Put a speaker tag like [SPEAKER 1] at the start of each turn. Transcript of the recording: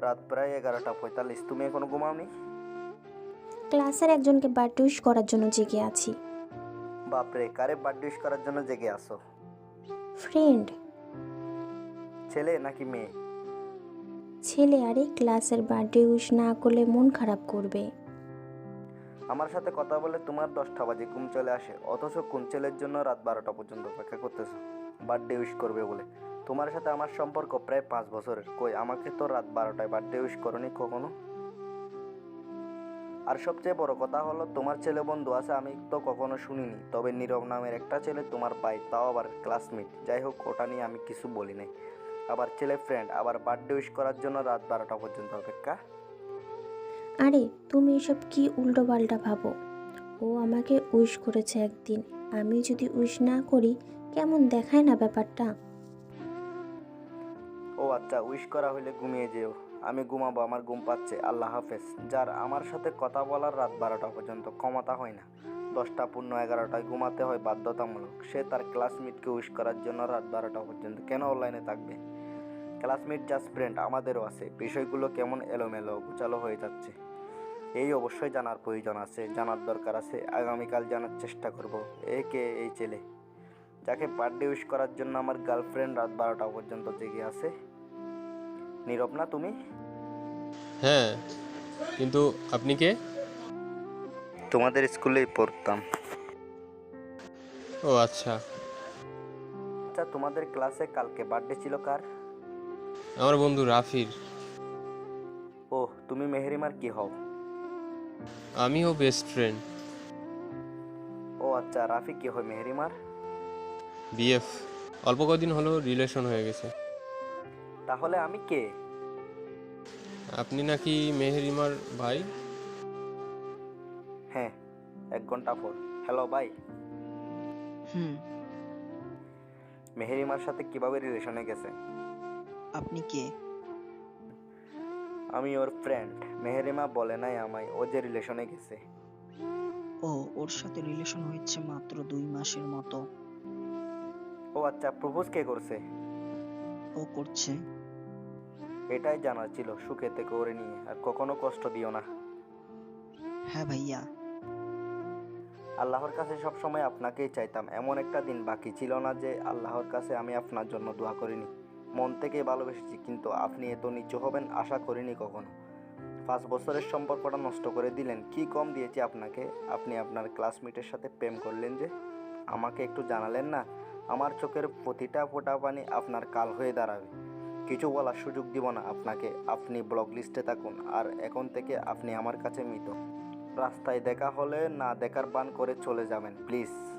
[SPEAKER 1] রাত প্রায় 11:45। তুমি এখনো ঘুমাওনি?
[SPEAKER 2] ক্লাসের একজনকে বার্থডে উইশ করার জন্য জেগে আছি।
[SPEAKER 1] বাপরে, কারে বার্থডে উইশ করার জন্য জেগে আসো?
[SPEAKER 2] ফ্রেন্ড।
[SPEAKER 1] ছেলে নাকি মেয়ে?
[SPEAKER 2] ছেলে। আরে ক্লাসের বার্থডে উইশ না করলে মন খারাপ করবে।
[SPEAKER 1] আমার সাথে কথা বলে তোমার 10টা বাজে ঘুম চলে আসে, অথচ কোন ছেলের জন্য রাত 12টা পর্যন্ত অপেক্ষা করতেছো বার্থডে উইশ করবে বলে? তোমার সাথে আমার সম্পর্ক প্রায় 5 বছরের, কই আমাকে তো রাত 12টায় বার্থডে উইশ করনি কখনো। আর সবচেয়ে বড় কথা হলো, তোমার ছেলে বন্ধু আছে আমি তো কখনো শুনিনি, তবে নীরব নামের একটা ছেলে তোমার ভাই, তাও আবার ক্লাসমেট। যাই হোক, ওটা নিয়ে আমি কিছু বলি নাই। আবার ছেলে ফ্রেন্ড, আবার বার্থডে উইশ করার জন্য রাত 12টা পর্যন্ত অপেক্ষা।
[SPEAKER 2] আরে তুমি এসব কি উল্টোপাল্টা ভাবো? ও আমাকে উইশ করেছে একদিন, আমি যদি উইশ না করি কেমন দেখায় না ব্যাপারটা।
[SPEAKER 1] ও আচ্ছা, উইশ করা হইলে ঘুমিয়ে যেও। আমি ঘুমাবো, আমার ঘুম পাচ্ছে। আল্লাহ হাফেজ। যার আমার সাথে কথা বলার রাত 12টা পর্যন্ত ক্ষমতা হয় না, 10টা পূর্ণ 11টায় ঘুমাতে হয় বাধ্যতামূলক, সে তার ক্লাসমেটকে উইশ করার জন্য রাত 12টা পর্যন্ত কেন অনলাইনে থাকবে? ক্লাসমেট জাস্ট ফ্রেন্ড, আমাদেরও আছে। বিষয়গুলো কেমন এলোমেলো গোছালো হয়ে যাচ্ছে, এই অবশ্যই জানার প্রয়োজন আছে, জানার দরকার আছে। আগামীকাল জানার চেষ্টা করব। এই ছেলে যাকে বার্থডে উইশ করার জন্য আমার গার্লফ্রেন্ড রাত 12টা পর্যন্ত জেগে আছে। নীরব না তুমি?
[SPEAKER 3] হ্যাঁ, কিন্তু আপনি কে?
[SPEAKER 1] তোমাদের স্কুলেই পড়তাম।
[SPEAKER 3] ও আচ্ছা।
[SPEAKER 1] আচ্ছা, তোমাদের ক্লাসে কালকে বার্থডে ছিল কার?
[SPEAKER 3] আমার বন্ধু রাফির।
[SPEAKER 1] ওহ, তুমি মেহরিমার কি হও?
[SPEAKER 3] আমিও বেস্ট ফ্রেন্ড।
[SPEAKER 1] ও আচ্ছা, রাফি কি হয় মেহরিমার?
[SPEAKER 3] বিএফ। অল্প কদিন হলো রিলেশন হয়ে গেছে।
[SPEAKER 1] তাহলে আমি কে?
[SPEAKER 3] আপনি নাকি মেহেরিমার ভাই?
[SPEAKER 1] হ্যাঁ, 1 ঘন্টা পর। হ্যালো ভাই।
[SPEAKER 4] হুম।
[SPEAKER 1] মেহরিমার সাথে কিভাবে রিলেশনে গেছে?
[SPEAKER 4] আপনি কে?
[SPEAKER 1] আমি ওর ফ্রেন্ড। মেহরিমা বলে নাই আমায় ও যে রিলেশনে গেছে।
[SPEAKER 4] ও, ওর সাথে রিলেশন হয়েছে মাত্র 2 মাসের মতো।
[SPEAKER 1] ও আচ্ছা, প্রপোজ কে করছে?
[SPEAKER 4] ও করছে।
[SPEAKER 1] এটাই জানার ছিল। সুখে থেকে ওরে নিয়ে, আর কখনো কষ্ট দিও না।
[SPEAKER 4] হ্যাঁ ভাইয়া।
[SPEAKER 1] আল্লাহর কাছে সবসময় আপনাকেই চাইতাম। এমন একটা দিন বাকি ছিল না যে আল্লাহর কাছে আমি আপনার জন্য দোয়া করিনি। মন থেকে ভালোবেসেছি, কিন্তু আপনি এত নিচু হবেন আশা করিনি কখনো। 5 বছরের সম্পর্কটা নষ্ট করে দিলেন। কি কম দিয়েছি আপনাকে? আপনি আপনার ক্লাসমেটের সাথে প্রেম করলেন যে, আমাকে একটু জানালেন না? আমার চোখের প্রতিটা ফোঁটা পানি আপনার কাল হয়ে দাঁড়াবে। কিছু বলার সুযোগ দিব না আপনাকে। আপনি ব্লক লিস্টে থাকুন, আর এখন থেকে আপনি আমার কাছে মৃত। রাস্তায় দেখা হলে না দেখার ভান করে চলে যাবেন প্লিজ।